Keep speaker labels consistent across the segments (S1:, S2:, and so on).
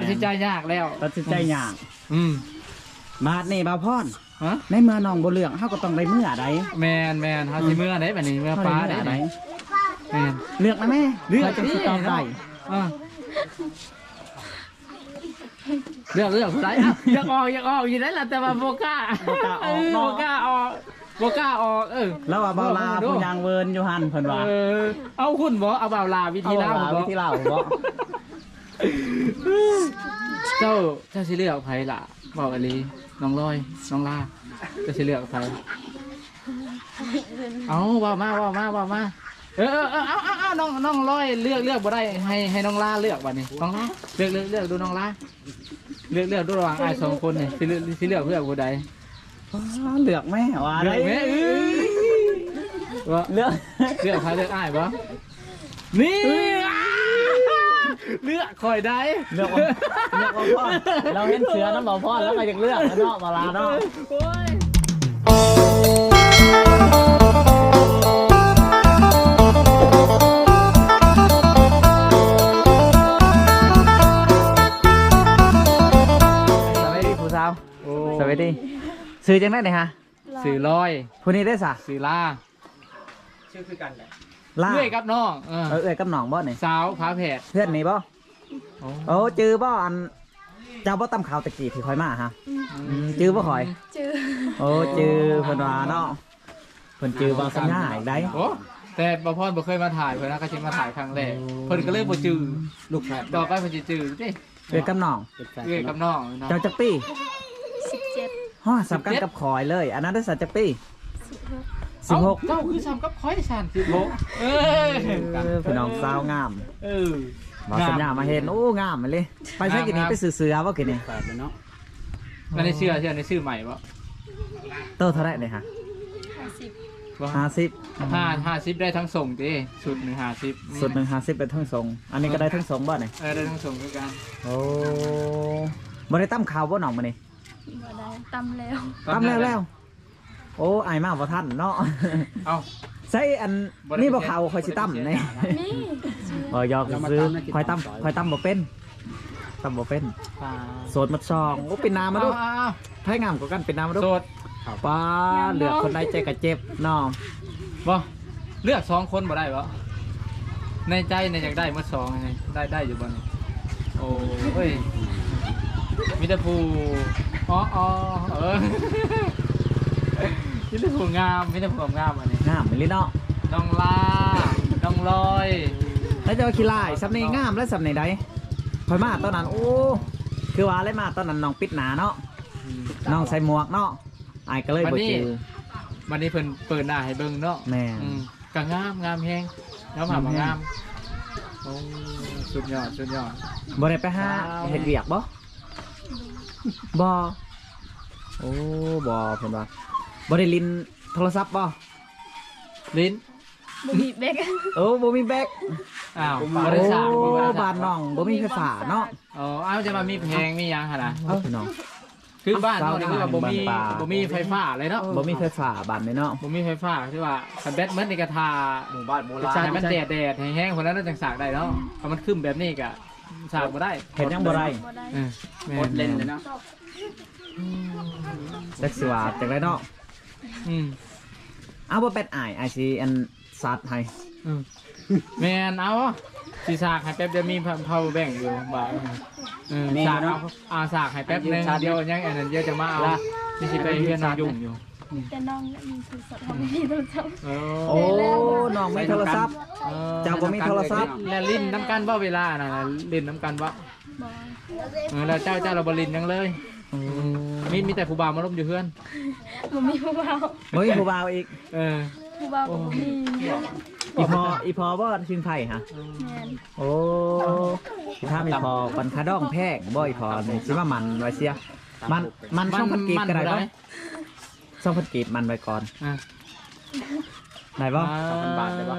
S1: สินใจยากแล้ว
S2: ตัดสินใจยาก มาดนี่บ่าวพร
S1: ฮะ
S2: ในเมื่อน้องบ่เลือกเฮาก็ต้องได้เมื่อใด
S1: แมนเฮาสิเมื่อได้บัดนี้เมื่อฟ้าได้ไหนแมน
S2: เลือกนะแม่
S1: เลือก
S2: จังสิตอบได้
S1: เลือกผู้ใดอ่ะอยากออกอยู่ได้ล่ะแต่ว่าบ่กล้าบ่กล้าออก
S2: แล้วว่าบ่าวลาผู้ยางเวินอยู่หั่นเพิ่นว่า
S1: เอาคุณบ่เอาบ่าวลาวิธีลาบ่
S2: วิธีลาวบ่
S1: เจ้าสิเลือกไผล่ะบอกอลีน้องลอยน้องลาจะสิเลือกไผเอาว่ามาเอาน้องลอยเลือกบ่ได้ให้น้องลาเลือกบัดนี้น้องลาเลือกดูน้องลาเลือกดูระหว่างอ้าย2คนนี่สิเลือกผู้ใด
S2: เลือกแม่ว่า
S1: เลื
S2: ได้
S1: อกแม่ว่าเลือกใครเลือกอ้ายบ่นี่เลือกคอยได้
S2: เลือกบ่พ่อเราเห็นเสือน้ำบ่พ่อแล้วก็อยากเลือกเนาะบ่าวลาเนาะสวัสดีซื้อจังได้ไหนฮะ
S1: สื่อลอย
S2: ผู้นี้ได้สะ
S1: สื่อลา
S3: ชื่อคือกันแหละ
S2: ล่า
S1: เลื่อยกับน้อง
S2: เอ้ยกับหนองบ่นี่
S1: สาวผาแผด
S2: เพื่อนนี่บ่โอ้จือบ่อันเจ้าบ่ตำข่าวตะกี้ที่คอยมาฮะจือบ่คอย
S4: จือ
S2: โอ้จือเพิ่นว่าเนาะเพิ่นจือบ่สัญญาอีกได้
S1: โอ้แต่บ่พรบ่เคยมาถ่ายเพิ่นนะก็สิมาถ่ายครั้งแรกเพิ่นก็เลยบ่จื้อ
S3: ลูกแฝด
S1: ต่อไปเพิ่นสิจื้อติ
S2: เอ้ยกับหนอง
S3: เป็นแฝด
S1: เลื่อยกับน้องเนาะ
S2: เจ้าจักปี้
S4: 17
S2: ฮอดสำคัญกับคอยเลย อันนั้นได้สัจักปี้
S1: เอ้า
S2: 16
S1: เจ้าคือซ้ำกับคอยสั่น16
S2: พี่น้องสาวงาม
S1: เออ
S2: บ่สัญญามาเห็นโอ้งามมาเลยไปใช้กินนี้ไปซื้อเสือบ่กินนี่
S3: แฝดเลยเนาะ
S1: มันได้เชื่อในชื่อใหม่บ่
S2: โตเท่าไหร่นี่ฮะ
S4: 50
S1: บ่
S2: 50
S1: 50ได้ทั้งส่งติสุด1 50
S2: สุดหนึ่ง50เป็นทั้งทรงอันนี้ก็ได้ทั้งทรงบ่นี่
S1: ได้ทั้งส่งคือกัน
S2: โอ้บ่ได้ตั้มข่าวบ่หนองมานี่
S4: บ่ได้ตำแล้ว
S2: ตั้มแล้วโอ้อายมากบ่ทันเนาะ
S1: เอ้า
S2: ใส่อันนี่บ่ข่าวคอยสิตั้มนี่
S4: นี่
S2: บ่ยอกซื้อคอยตั้มบ่เป็นตั้มบ่เป็นโสดมัดซองโอ้เป็นนามาดูไผงามกว่ากันเป็นนามาดู
S1: โสด
S2: ป้าเหลือคนใดใจก็เจ็บเนาะ
S1: บ่เลือก2คนบ่ได้บ่ในใจเนี่ยอยากได้เมื่อ2ไงได้อยู่บ่นี่โอ้ยมีแต่ผู้มีแต่ผู้งามอันนี้
S2: งามอีหลีเนาะ
S1: น้องลาน้องลอย
S2: แล้วเจะขี้ลายสำเนียงงามและสำเนียงใดคอยมาตอนนั้นโอ้คือว่าอะไรมาตอนนั้นน้องปิดหนาเนาะน้องใส่หมวกเนาะอายก็เลยบ่จือ
S1: วันนี้เพิ่นเปิดหน้าให้เบิ่งเนาะ
S2: แม่
S1: ก็งามแฮงแล้วผ่ามางามโอ้สุดยอด
S2: บ่ได้ไปหาเฮ็ดเวียกบ่บ่โอ้บ่เพิ่นว่าบ่ได้ลินโทรศัพท์บ่
S1: ลิ้น
S4: บ่มีแบก
S2: โอ้บ่มีแบก
S1: อ้าว
S2: โอ้
S1: บ่ได้สร้าง
S2: บ้านน้องบ่มีไฟฟ้าเนาะ
S1: อ๋ออ้าวจะมามีเพลงมีหยังหั่นน่ะ
S2: เอ้าพี่น้อง
S1: คือบ้านเรานี่คือว่าบ่มี
S2: บ้านป่า
S1: บ่มีไฟฟ้าเลยเนาะ
S2: บ่มีไฟฟ้าบ้านนี่เนาะ
S1: บ่มีไฟฟ้าคือว่าคันแบตเมดนี่ก็ทา
S3: หมู่บ้านโบราณ
S1: ให้มันแดดให้แห้งคนนั้นจังสากได้เนาะถ้ามันขึ้นแบบนี้ก็สากบ่ได้
S2: เฮ็ดหยังบ่ได้
S4: บ่ได้
S1: เออแม่
S3: หมดเลนเลยเนาะ
S2: จักสิว่าจังไดเนาะ
S1: อืม
S2: เอาบ่เป็ดอ้ายสิอันสัตว์ให้
S1: แม่นเอาสิสากให้แป๊บเดียวมี power bank อยู่บ่ายสากเอาสากให้แป๊บนึงเดี๋ยวยังอันนั้นเดี๋ยวจะมาเอาสิไปเรียนน้องยุ่งอยู่
S4: แต่น้องมีโทรศัพท์เขาไม่มีโทรศัพท์
S2: โอ้น้องมีโทรศัพท์ เจ้าบ่มีโทรศัพท์
S1: แล้วลิ้นน้ำกันบ่เวลาน่ะลิ้นน้ำกันบ่
S4: บ่
S1: แล้วเจ้าเราบ่ลิ้นยังเลยมีแต่ผู้บ่าวมาล้มอยู่เพื่อน
S4: บ่มีผู้บ่าว
S2: บ่มีผู้บ่าวอีก
S4: ผู้บ่าวก็บ่มี
S2: อีพอบ่ชิงไผ่ฮะ
S4: แม่น
S2: โอ้ถ้ามีพอปันคาดองแพงบ่อีพอนี่สิว่ามันไว้เสียมันช่องพันกีบก็ได้บ่ช่องพันกีบมันไว้ก่อนได้บ่
S1: 2,000 บาทได้บ่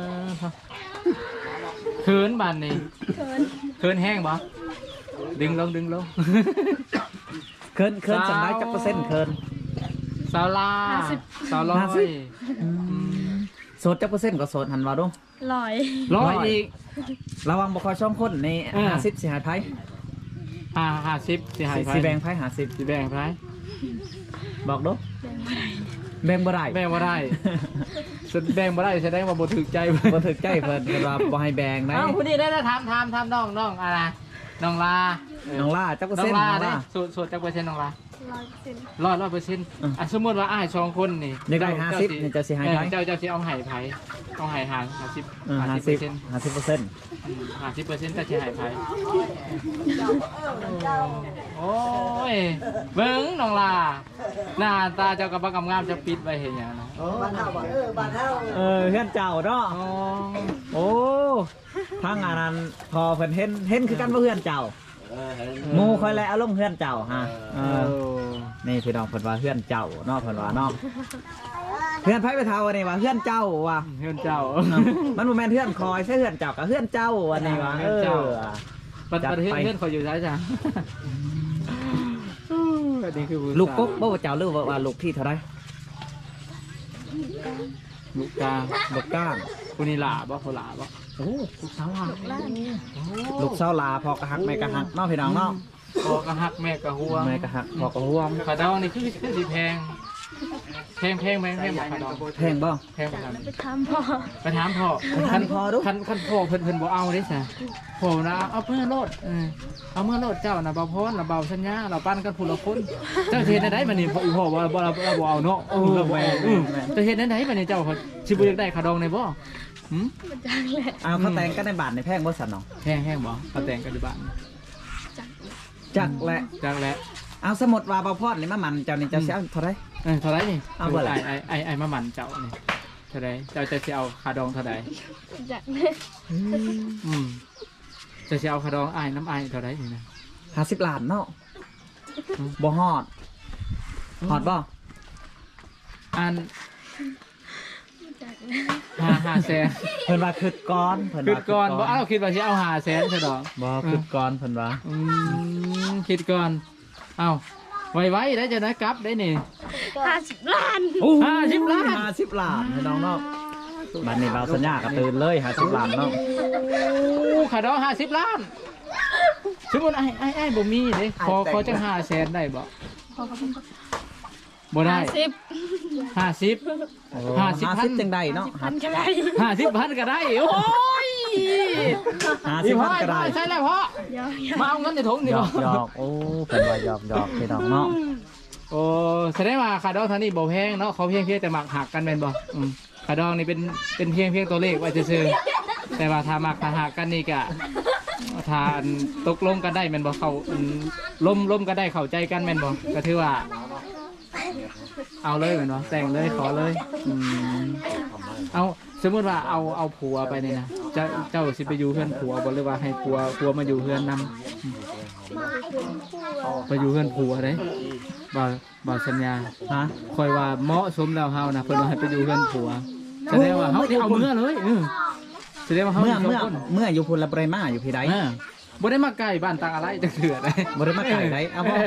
S1: เขินบานนี่
S4: เขิน
S1: แห้งบ่ดึงลง
S2: เคินจำได้จักเปอร์เซ็นต์เคิน
S1: สาวลาสาวลอย
S2: โสดจักเปอร์เซ็นต์ก็โสดหันว่าดู
S4: ร้อย
S1: ร้อยอีก
S2: ระวังบ่ค่อยช่องคนใน50สิหายไผ
S1: 50สิให้ไผ
S2: สิแบ่งไพ่50
S1: สิแบ่งไผ
S2: บอกดูแบ่งบ่ได้
S1: แบ่งบ่ได้สุดแบ่งบ่ได้แสดงว่าบ่ถูกใจเพิ่น
S2: บ่ถึกใจเพิ่นเพิ่นว่าบ่ให้แบ่งนะ
S1: เอ้าผู้นี้ได้ถามน้องอะไรน้องลา
S2: น้องล่าจักเปอร์
S1: น้อ
S2: เซ็น
S1: ง
S2: ต์
S1: ลา
S2: น้อง
S1: ได้
S2: ล่า
S1: สูตรจักเปอร์เซ็นต์น้องลา
S4: 100%
S1: 100%สมมุติว่าอ้าย2คนนี่
S2: อยากได้50นี่จะสิให้ไผ
S1: เจ้าสิเอาให้ไผเอาให้หาร50 50%
S2: 50%
S1: 50%ก็สิให้ไผโอ้ยเบิ่งน้องลาหน้าตาเจ้าก็บ่กำงามจะปิดไว้เฮ็ดหยังนะ
S2: เฮือนเจ้าเนาะ
S1: อ๋อ
S2: โอ้ทางอันนั้นพอเพิ่นเห็นคือกันบ่เฮือนเจ้าหมู่ค่อยแลเอาลงเฮือนเจ้าฮะนี่พี่น้องเพิ่นว่าเฮือนเจ้าเนาะเพิ่นว่าเนาะเฮือนไผไปเท่านี่ว่าเฮือนเจ้าว่ะ
S1: เฮือนเจ้า
S2: มันบ่แม่นเฮือนคอยใช่เฮือนเจ้ากับเฮือนเจ้าอันนี้ว่า
S1: เฮือนเจ้า ประ
S2: จัด
S1: เทศ
S2: ไป
S1: เพื่อนเขาอยู่ซ้ายจ้ะอันนี้คือ
S2: ลูกกกบ่ว่าเจ้าหรือว่าลูกที่เท่าไร
S1: ลูกกลาง
S2: ลูกก้าง
S1: คุณนี่หล่าบ่เขาหล่าบ่
S2: โอ้ลูกสาวลา
S4: ล้าน
S2: ลูกสาวลาพอกระหักแม่กระหักเนาะพี่น้องเนาะ
S1: พ่อกระหักแม่กระหัว
S2: แม่กระหักพอกระห่วง
S1: ขาดองนี่คือสิแพงไหมบอกขาดอง
S2: แพงบ่
S1: แพงกว่ากัน
S4: ไปถามพ่อ
S1: ไปถามพ่อ
S2: คันพอดู
S1: คันพ่อเพิ่นบ่เอาเด้ซะพ่อนะเอาเมื่อโลดเอาเมื่อโลดเจ้าน่ะเบาพรน่ะเบาสัญญาเราปั้นกันผู้ละคนเจ้าเฮ็ดได้บัดนี้พ่อบ่เราบ่เอาเนาะเราบ่เอาเจ้าเฮ็ดได้บัดนี้เจ้าสิบ่อยากได้ขาดองได้บ่
S4: มันจังแหละ
S2: เอาเขาแต่งกันในบาทในแพงบ่สั่นเนาะ
S1: แห้งบ่เขาแต่งกันอยู่บ้าน
S2: จักแหละ
S1: จังแล้ว
S2: เอาสมุดว่าบ่พอดนี่มามันเจ้านี่เจ้าสิเอาเท่าไร
S1: เท่าไรนี่
S2: เอาเท่าไหร่
S1: ไอ้มาหมันเจ้านี่เท่าไรเจ้าจะเอาคาดองเท่าไร
S4: จังแหละ
S1: จะเอาคาดองไอ้น้ำไอ้เท่าไรนี่นะ
S2: 50ล้านเนาะบ่ฮอดฮอดบ่
S1: อัน
S4: จังแหละ
S1: 500,000
S2: เพิ่นว่าคิดก่อนเพิ่น
S1: คิด
S2: ว่า
S1: ก่อนบ่เอาคิดว่าสิเอา500,000ซะดอก
S2: บ่คิดก่อนเพิ่นว่า
S1: คิดก่อนเอาไว้ได้จะได้กลับได้นี่
S4: 50 ล้าน
S1: 50 ล้าน
S2: 50ล้านพี่น้องเนาะบัดนี้เราสัญญาก็ตื่นเลย50ล้านเนาะ
S1: คาดอง50 ล้านสมมุติไอ้บ่มีเด้ขอจัง500,000ได้บ่บ่ได้
S4: 50
S1: 50
S2: 50จังได้เนาะ
S4: พันก็ได้
S1: 50,000ก็ได้โอ้ย
S2: 50ก็ได้
S1: ใช่แล้วพ่อ
S4: เดี๋ยว
S1: มาเอาเงินในถุง
S2: ห
S1: นี่
S2: ย
S1: บ่
S2: อกหยอกโอ้เพิ่นว่าหยอกหยอกพี่น้องเนาะ
S1: โอ้แสดงว่าขาดองเท่านี้บ่แพงเนาะเขาเพียงแต่หมักหักกันแม่นบ่ขาดองนี่เป็นเพียงตัวเลขไว้ซื่อๆแต่ว่าถ้าหมักหักกันนี่ก็ถ้าตกลงกันได้แม่นบ่เขาล้มกันได้เข้าใจกันแม่นบ่ก็ถือว่า เอาเลยแม่นบ่แต่งเลยขอเลยเอาสมมติว่าเอาผัวไปนี่นะเจ้าสิไปอยู่เพื่อนผัวบ่หรือว่าให้ผัวมาอยู่เพื่อนนำไปอยู่เพื่อนผัวเด้บ่สัญญา
S2: ฮะ
S1: คอยว่าเหมาะสมแล้วเฮานะเพิ่นว่าให้ไปอยู่เพื่อนผัวแสดงว่าเฮาได้เอาเมื่อเลยแสดงว่าเฮา
S2: เมื่ออยู่พุ่นละบ่ได้มาอยู่พี่ใด
S1: บ่ได้มาใกล้บ้านตางอะไรจังเถื่อได้
S2: บ่ได้มาไกลใดเอาบ่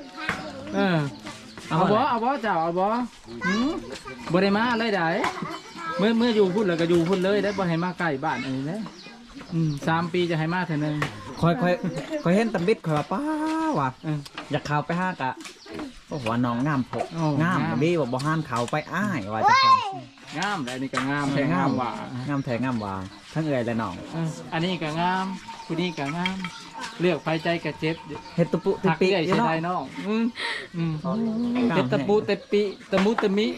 S1: เอาบ่เจ้าเอาบ่บ่ได้มาเลยได้เมื่ออยู่พุ่นแล้วก็อยู่พุ่นเลยได้บ่ให้มาใกล้บ้านอันนี้นะ3 ปีจะให้มาเท่านึง
S2: คอยเห็นตำบิดคอยว่าป้าว่ะอยากเข้าไปหากะโอ้โหน้องงามพกงามดีว่าบ่ห้ามเข้าไปอ้ายว่าจังซั่น
S1: งามแต่อันนี้ก็งามแท้งามว่ะ
S2: งามแท้งามว่าทั้งเอ่ยและน้อง
S1: อันนี้ก็งามผู้นี้ก็งามเลือกไปใจก็เจ็บ
S2: เฮ็ดตุปุตุ
S1: หัก
S2: ปิ
S1: ใหญ่
S2: อยู่
S1: เสีย
S2: เนาะ
S1: ดายน้องเจ็บตะปูตะปิตะมุตะมิ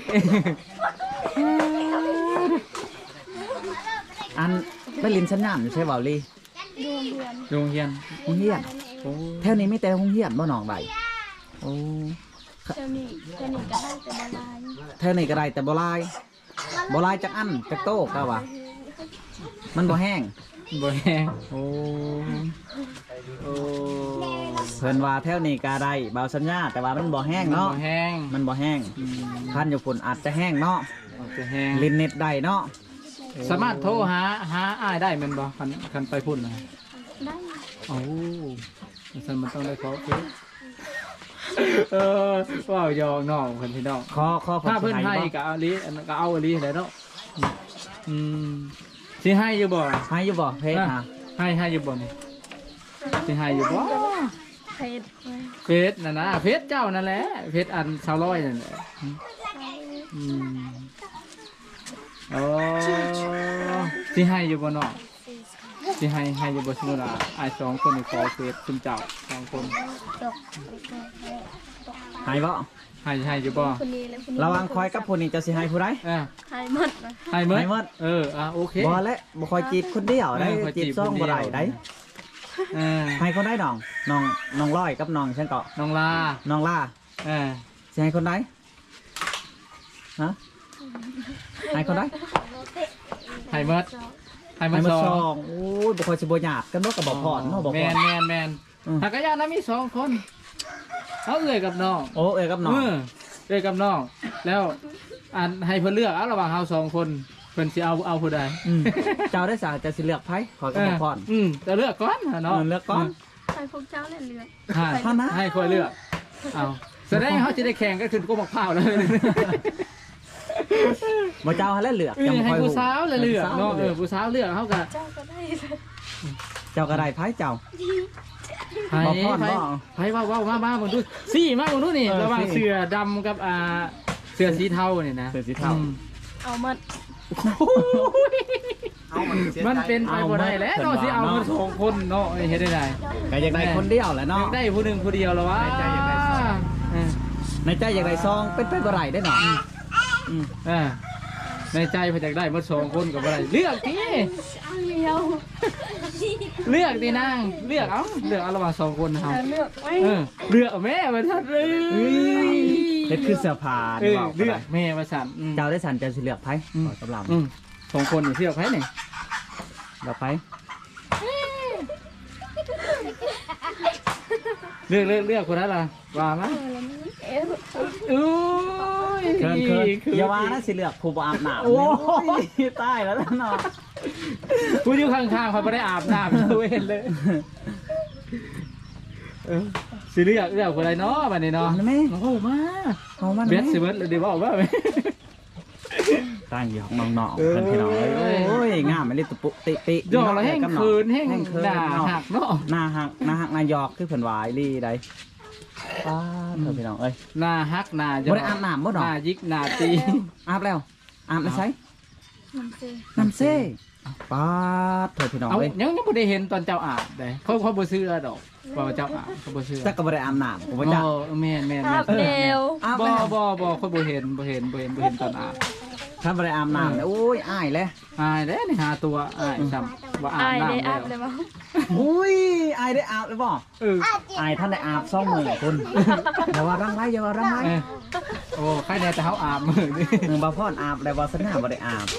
S2: อันไปลินสัญญาณอยู่ใช่เปล่าลี่
S4: ดวงเดือน
S1: โรงเรียน
S2: โรงเรียนแถวนี้มีแต่โรงเรียนบ่น้องใบโอ้
S4: เจ้านี่ก็ได้แต่บาลาย
S2: แถวนี้ก็ได้แต่บ่ลายบ่ลายจักอันจักโตก็ว่ามันบ่แห้ง
S1: บ่แห้ง
S2: โอ้
S1: โอ้
S2: เพิ่นว่าแถวนี้ก็ได้เบาสัญญาแต่ว่ามันบ่แห้ง
S1: บ่
S2: เนาะ
S1: แห้ง
S2: มันบ่แห้งคันอยู่ฝุ่นอาจจะแห้งเนาะ
S1: จะแห้ง
S2: ลินเน็ตได้เนาะ
S1: สามารถโทรหาอ้ายได้แม่นบ่คันไปพุ่นนะ
S4: ได้
S1: โอ้ฉันมันต้องได้ขอเฟซว้าวยองน้องเพิ่นพี่น้อง
S2: ขอ
S1: ถ้าเพิ่นให้
S2: บ่
S1: ก็เอาลีก็เอาลีได้เนาะสิให้อยู่บ่
S2: ให้อยู่บ่เพจฮะ
S1: ให้อยู่บ่นี่สิให้อยู่บ่
S4: เพชร
S1: เฟซน่ะนะเฟซเจ้านั่นแหละเฟซอันชาวร้อยนั่นแหละอืมโอ้สิให้อยู่บ่เนาะสิให้อยู่บ่สมมุติว่าอ้าย2คนนี่ขอเฟซคุณเจ้า2คน
S4: ตก
S2: ให้บ่
S1: ให้อยู่บ่
S4: คนนี้และคนนี้
S2: ระวังคอยกับผู้นี้จะสิให้ผู้ใด
S4: หายหมดนะ
S1: ให้หมด
S2: ให้หมด
S1: โอเค
S2: บ่และบ่คอยจีบคนเดียวได้
S1: คอย
S2: จีบซ่องบ่ได้ได้
S1: เออ
S2: ให้คนได้น้องร้อยกับน้องฉันก็
S1: น้องลา
S2: น้องล่า
S1: เออ
S2: สิให้คนใดฮะให้คนใด
S1: ให้หมดให้หม
S2: ให้
S1: ด
S2: มา
S1: ส
S2: ซ
S1: อ
S2: อง งโอ้ยบ่คอยสิบ่หยาบกันบ่ก็บ่พอดเนาะบ่
S1: แม
S2: พอด
S1: นแมน
S2: อืม
S1: หากระยานะมี2คนเขาเอ่ยกับน้อง
S2: โอ้เอ้ยกับน้อง
S1: เอ่ยกับน้องแล้วอันให้เพิ่นเลือกเอาระหว่างเฮา2คนเพิ่นสิเอาผู้ใด
S2: มเจ้าได้สาจะสิเลือกไผขอยก็บ่พอด
S1: จะเลือกก่อนเนาะ
S2: เลือกก่อน
S4: ใครพวกเจ้าเนี่ยเลือก
S1: ให้ให้คอยเลือกเอาแสดงเขาจะได้แข่งกันขึ้นก็มักพร้าวเลย
S2: บ่เจ้าให้แล้วเลือกจำ
S1: ให้
S2: ค่อย
S1: ผู้สาวเลยเลือกเนาะผู้สาวเลือกเขาก็
S4: เจ้าก็ได้
S2: เจ้าก็ได้ไผเจ้า
S1: ไผ่
S2: บ่พรบ่
S1: ไผ่ว่ามามึงดูสี่มามึงดูนี่
S2: เออ
S1: ระหว่าง
S2: สี่
S1: เสือดำกับเสือสีเทาเนี่ยนะ
S2: เสือสีเทา
S4: เอาหมด
S3: เอามันเสียใจ
S1: มันเป็นไปบ่ได้แล้วเนาะสิเอามาสองคนเนาะเฮ็ดได้ได
S2: ก็อยากได้คนเดียวแหละ
S1: อยา
S2: เนาะ
S1: กได้ผู้หนึ่งผู้เดียวแล้ววะ
S3: ในใจอยากได้สอง
S2: ในใจอยากได้ซองเป็นไปบ่ได้ได้หนอ
S1: เออในใจเพิ่นอยากได้มาสองคนก็บ่ได้เลือกดิ
S4: เดียว
S1: เลือกดินางเลือกเอาระหว่างสองคนนะครับ
S4: เลือกไว้
S1: เลือกเอาแม่มาทัดเลย
S2: เฮ็ดคือเสื้อผ้า
S1: เอ
S2: นี่
S1: อ
S2: เว้า
S1: เลือกแม่มาสั่น
S2: เจ้าได้สันเจ้าสิเลือกไผ
S1: อืม
S2: ขอกำลัง
S1: สองคนนี่เลือกไผนี่
S2: เลือกไผ
S1: เลือกคนนั้นล่ะว่ามา
S4: เอ๊ะ
S1: อุ้ย
S2: เคินอย่าว่านะสิเลือกผู้บ่อาบน้ำ
S1: โอ้
S2: ยตายแล้วเนาะ
S1: ผู้อยู่ข้างๆเขาไม่ได้อาบน้ำเว้นเลยสิเลือกคนใดเนาะบัดนี้เนาะ
S2: เอาแม่
S1: โอ้โหมา
S2: เอามัน
S1: เบสสิเบิร์ดเลยเดี๋ยวบอกว่า
S2: ตั้งอยู่ของน้องๆเพิ่นพี่น้องเอ้ยโอ้ยงามไม่ได้ตุปุติปิ
S1: หยอกเราแห้งคืนแห้ง
S2: คืน
S1: ด่าหักเนาะ
S2: หน้าหักหน้าหยอกคือเพิ่นวายลี่ได้ป้าเพิ่นพี่น้องเอ้ย
S1: หน้าฮักหน้า
S2: บ่ได้อาบน้ำบ่ดอก
S1: หน้ายิกหน้าตี
S2: อาบแล้วอาบแล้วใช้
S4: มันเซ่
S2: น้ำเซ่ป้าเถิดพี่น้อง
S1: เอา
S2: เอ้ย
S1: ยังบ่ได้เห็นตอนเจ้าอาบเลยเขาบ่ซื้อดอกว่าเจ้าอาบเขาบ่ซื้อ
S2: จักก็บ่ได้อาบน้ำผมว่าจัก
S1: แม่น
S4: อาบเร็ว
S2: อาบ
S1: บ่
S2: แล้ว
S1: บ่เขาบ่เห็นตอนอาบ
S2: ถ้าบ่ได้อาบน้ำเนี่ยโอ้ยอายเลย
S1: อายแล้วนี่หาตัวอายซ้ำว่าอาบ
S4: อายได้
S1: น้ำ
S4: อาบเล
S1: แล้
S4: ยว มั้ง
S2: อุ้ยอายได้อาบเลยบ่
S1: เออ
S2: อายท่านได้อาบซ่องมือคุณอย่าว่ารังไรอย่าว่ารังไร
S1: เออโอ้ใครแน่แต่เขาอาบมือนี่
S2: หนึ่งบ่พอดอาบแล้วบ่สนาบ่ได้อาบ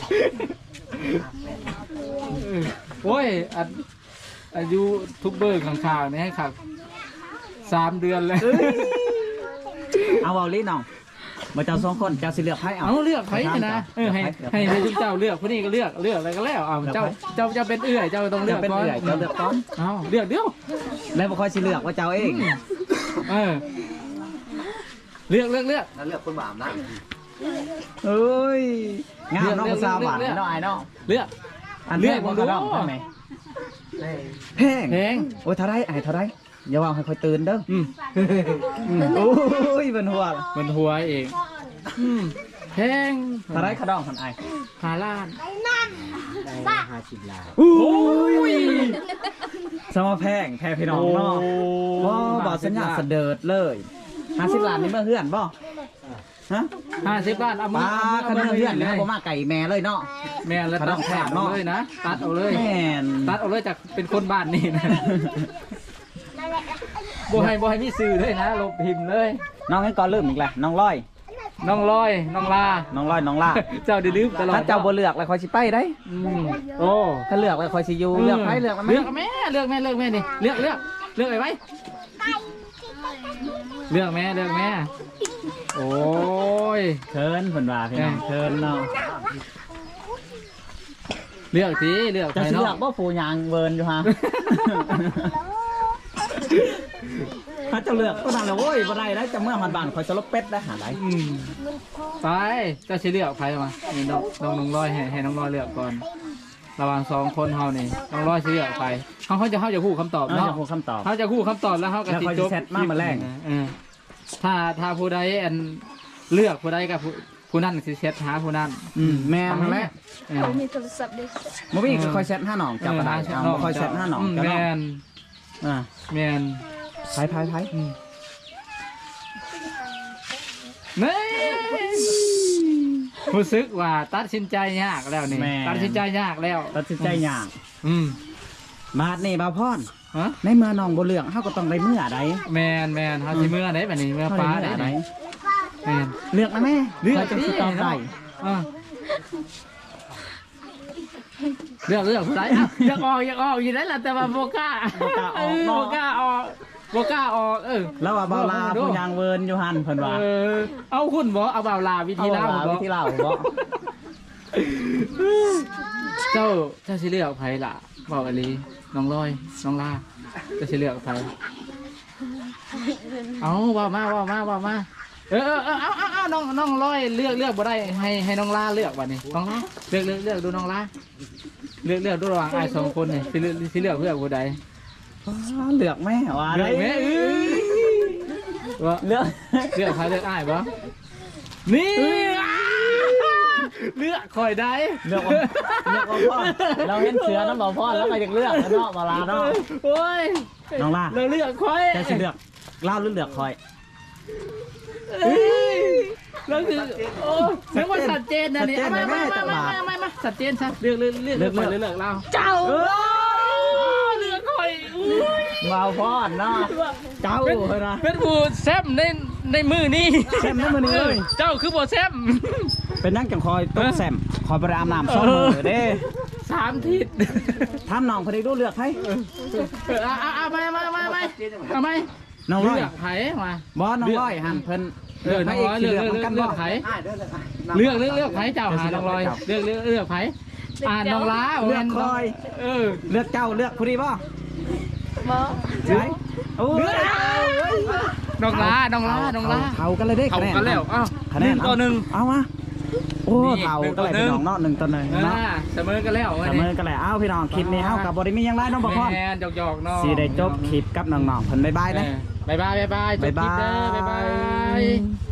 S1: โอ้ยอายุทุกเบอร์ข้างๆนี่ให้ครับ3 เดือนเลย
S2: เอาเอาลิ้นน้องมาเจ้าสองคนเจ้าสิเลือกให้เอา
S1: เอาเลือกไผนี่นะให้ทุกเจ้าเลือกผู้นี้ก็เลือกอะไรก็แล้วเอาเจ้าเป็นเอื้อยเจ้าต้องเลื
S2: เลื
S1: อ
S2: อก กเป็น
S1: ก่อน
S2: เอื่อยเจ้าเลือกก่อน
S1: เอาเลือกเดียว
S2: แล้วบ่ค่อยสิเลือกว่าเจ้าเอง
S1: เออเลือก
S3: แล้วเลือกคนบาปนะ
S2: เอ้ยงามน้องสาวหวานเนาะอายเนาะ
S1: เลือก
S2: อันเลือกบ่กระดองใช่ไหมแพง
S1: แพง
S2: โอ้ยเท่าไรอายเท่าไรอย่าว่าให้ค่อยตื่นเด้อ
S1: โอ้
S2: โอ้ยเป็นหัว
S1: มันหัวเองแพง
S2: เท่าไรกระดองพันอาย
S1: 5 ล้าน
S3: ได้50 ล้าน
S2: โอ้ยสมแพงแพงพี่น้องเนาะบ่บ่สัญญาเสดิร์ดเลย50ล้านนี่เมื่อเฮือนบ่ฮะ
S1: 50 ล้านเอามื
S2: ป้าคันเมื่อเฮือน
S1: เล
S2: นะ
S1: ย
S2: บ่มาไก่แม่เลยเนาะ
S1: แม่นแล้วตัดแถบเลยนะตัดเอาเลย
S2: แม่น
S1: ตัดเอาเลยจากเป็นคนบ้านนี่นะบ่ให้มีสื่อเลยนะลบพิมพ์เลย
S2: น้องงั้นก่อนเริ่มอีกแล้วน้องร้อย
S1: น้องลอยน้องลา
S2: น้องร้อยน้องล่า
S1: เจ้าได้ลืมตลอด
S2: ถ้าเจ้าบ่เลือกแล้วค่อยสิไปได้
S1: โอ้
S2: ถ้าเลือกแล้วค่อยสิอยู่เลือกไปเลือกมาไหม
S1: เลือกแม่เลือกแม่นี่เลือกไอ้ไว้เลือกแม่โอ้ย
S2: เชิญเพิ่นว่าพี่น้องเชิญเนาะ
S1: เลือกทีเลือก
S2: จะ
S1: ไป
S2: สิเลือ
S1: เนาะ
S2: กบ่ผู้ยางเวิร์นอยู่ฮะถ้าเจะเลือกก็นั่นแหละโว้ยบ่ได้แล้วจะเมื่อหันบ้านคอยสลบเป็ดได้หาได้
S1: ไปเจ้าสิเลือกไปมานี่น้องลอยให้น้องลอยเลือกก่อนไประหว่างสองคนเฮานี่ต้องรอสิเลือกไปเขาจะฮู้คำตอบ
S2: เรา
S1: เนาะ
S2: จะพูดคำตอบ
S1: เขาจะฮู้คำตอบแล้วเขาก็
S2: แล้ว
S1: สิ
S2: เขา
S1: จ
S2: จะ
S1: บ
S2: แชทมาแรง
S1: ถ้าผู้ใดอันเลือกผู้ใดกับผู้นั้นสิเช็ดหาผู้นั้น
S2: แม่นแหละ
S4: เขามีโทรศัพท์ด้วย
S2: บ่มีก็คอยแชทหาน้องเจ้าก็ได้เอาคอยแชทหาน้องเจ้า
S1: แม
S2: เนาะ
S1: น
S2: อ่า
S1: แมน
S2: ไผ
S1: นี่รู้สึกว่าตัดสินใจยากแล้วนี่ตัดสินใจยากแล้ว
S2: ตัดสินใจยาก บาดนี่บ่าวพร
S1: ฮะ
S2: ในเมื่อน้องบ่เลือกเฮาก็ต้องได้เมื่อใด
S1: แมนเฮาสิเมื่อได้บัดนี้เมื่อฟ้าได้
S2: ใด
S1: แมน
S2: เลือกนะแม่
S1: เลือก
S2: ข้ยจะสิตอบได้
S1: เลือกผู้ใดอ่ะอยากออกอยู่ได้ล่ะแต่ว่าบ่กล้าบ่กล้าออก
S2: แล้วว่าบ่าวลาผู้ยางเวิร์นอยู่หั่นเพิ่นว่า
S1: เอาคุณบ่เอาบ่าวลาวิธีลา
S2: เอา
S1: บ่
S2: วิธีลาวบ่
S1: เจ้าสิเลือกไผล่ะบอกอลีน้องลอยน้องลาเจ้าสิเลือกไผเอาว่ามาเอาน้องลอยเลือกบ่ได้ให้น้องลาเลือกบัดนี้น้องลาเลือกดูน้องลาเลือกดูระหว่างอ้ายสองคนนี่สิเลือกเพื่อผู้ใด
S2: เลือกแม่ว่า
S1: เลือกแม่ว่า
S2: เลือก
S1: เลือกใครเลือกอ้ายบ่นี่เลือกคอยได้
S2: เลือกบ่าวพรเราเห็นเสือน้ำบ่าวพรแล้วก็อยากเลือกเนาะบ่าวลาเนาะ
S1: โอ้ย
S2: น้องลา
S1: เราเลือกคอย
S2: จะสิเลือกลาวหรือเลือกคอย
S1: แล้วคือโอ้เรียกว่าสัดเจนนะนี่มาสัดเจนซะเลือกเราเจ้าเลือกคอย
S2: บ่าวพรเนาะเจ้าเพิ่นนะ
S1: เป็นผู้แซมในมือนี่
S2: แซมในมื้อนี้เลย
S1: เจ้าคือบ่แซม
S2: เป็นนักจังคอยต้มแซมคอยไปอาบน้ำ2มื้อเด้
S1: 3 ทิศ
S2: ถามน้องเพิ่นได้ดูเลือกไผ
S1: เอาไป
S2: น้องร้อย
S1: เลือกไผมา
S2: บ่น้องร้อยหั่นเพิ่น
S1: น้องร้อยเลือกไผเลือกไผเจ้าหาน้องร้อยเลือกไผน้องล้า
S2: เลือกคอย เลือกเจ้าเลือกผู้ดีบ่
S4: บ่
S2: ใช่โอ้ย
S1: น้องล้า
S2: เท่ากันเลยเด้
S1: เอา
S2: คะแนน
S1: กันแล้วอ้าว
S2: คะแนน
S1: 1 ต่อ 1
S2: เอามาโอ้
S1: นี่
S2: เท่า
S1: 1
S2: ก็เลย
S1: ต่อ
S2: พี่น้องเนาะ1 ต่อ 1เนาะ
S1: เสมอกันแล้ว
S2: เสมอกันแหละเอาพี่น้องคลิปนี้เฮากับบ่ได้มีหยังไรน้องบ่พร
S1: แมนหยอกๆน้อง
S2: สิได้จบคลิปกับน้องๆเพิ่นบ๊ายบายเด้
S1: บ๊ายบายจบคลิปเด้อบ๊ายบาย